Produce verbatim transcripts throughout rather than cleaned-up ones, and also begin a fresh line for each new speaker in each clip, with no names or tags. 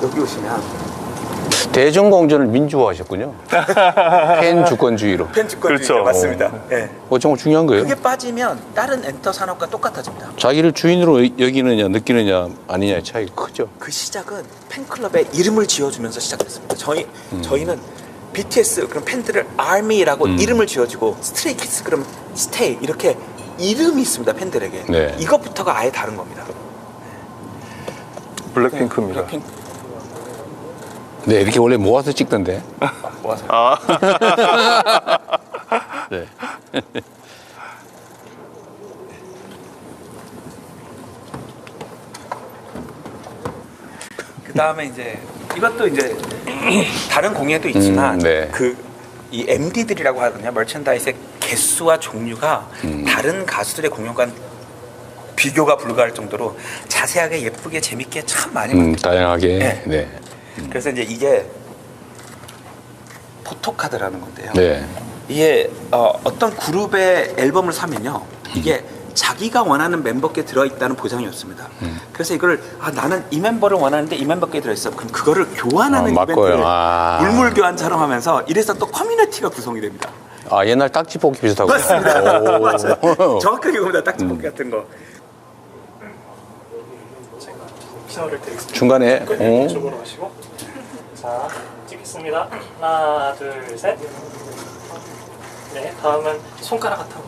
여기 오시면
대전공전을 민주화하셨군요. 팬 주권주의로.
팬 주권주의
그렇죠.
맞습니다. 예.
어, 정말 중요한 거예요.
그게 빠지면 다른 엔터 산업과 똑같아집니다.
자기를 주인으로 여기느냐 느끼느냐 아니냐의 차이가 크죠.
그 시작은 팬클럽에 이름을 지어주면서 시작됐습니다. 저희
음.
저희는 비티에스 그럼 팬들을 아미라고
음.
이름을 지어주고 스트레이키즈 그럼 스테이 이렇게 이름이 있습니다 팬들에게.
네.
이것부터가 아예 다른 겁니다.
블랙핑크입니다.
블랙핑크
네, 이렇게 원래 모아서 찍던데.
모아서.
아,
네.
그 다음에 이제 이것도 이제 다른 공예도 있지만
음, 네.
그 이 엠디들이라고 하거든요. 머천다이스의 개수와 종류가
음.
다른 가수들의 공연과 비교가 불가할 정도로 자세하게 예쁘게 재밌게 참 많이
음,
만들어요.
다양하게.
네.
네.
그래서 이제 이게 포토카드라는 건데요.
네.
이게 어, 어떤 그룹의 앨범을 사면요, 이게 자기가 원하는 멤버께 들어있다는 보장이 없습니다.
음.
그래서 이걸 아, 나는 이 멤버를 원하는데 이 멤버께 들어있어. 그럼 그거를 교환하는
아,
이벤트를
맞고요. 아.
물물 교환처럼 하면서 이래서 또 커뮤니티가 구성이 됩니다.
아, 옛날 딱지 뽑기 비슷하고.
맞습니다.
오.
맞아요. 정확하게 그겁니다. 딱지 뽑기 같은 거.
신호를 드리겠습니다.
중간에. 어?
이쪽으로 하시고 자 찍겠습니다. 하나 둘 셋. 네 다음은 손가락 같아요.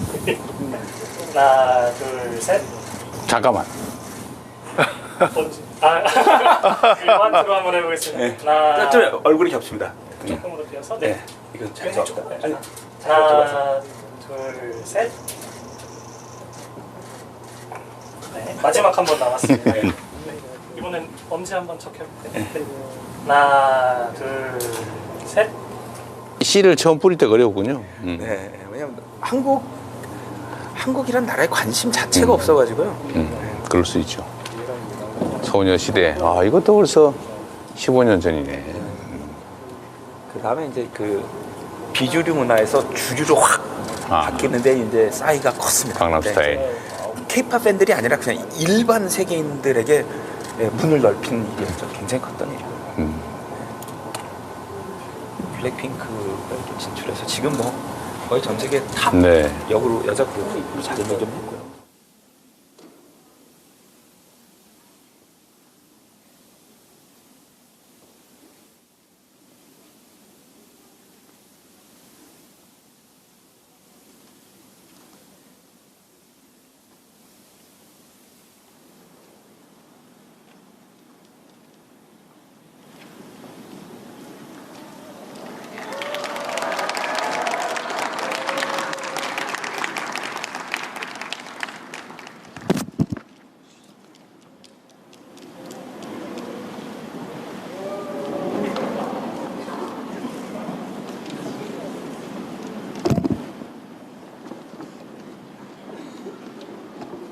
하나 둘 셋.
잠깐만.
뭔지 아 일반으로 한번 해보겠습니다.
네.
하나
좀 얼굴이 겹칩니다.
조금으로 띄어서
네.
네.
이건 잘
왼쪽.
잡고.
네.
아니,
하나 둘 셋. 네 마지막 한 번 남았습니다. 네. 이번엔 엄지 한번 척해볼게요. 네. 하나 둘 셋.
씨를 처음 뿌릴 때 어려웠군요. 음.
네. 왜냐면 한국 한국이란 나라에 관심 자체가 없어가지고요.
음, 그럴 수 있죠. 소녀시대. 아, 이것도 벌써 십오 년 전이네.
그 다음에 이제 그 비주류 문화에서 주류로 확
아.
바뀌는데 이제 싸이가 컸습니다.
강남스타일.
케이팝 팬들이 아니라 그냥 일반 세계인들에게 예, 문을 넓힌 일이었죠. 굉장히 컸던 일이에요.
음.
블랙핑크가 이렇게 진출해서 지금 뭐 거의 전 세계 탑
네.
역으로 여자 그룹으로 자리 매김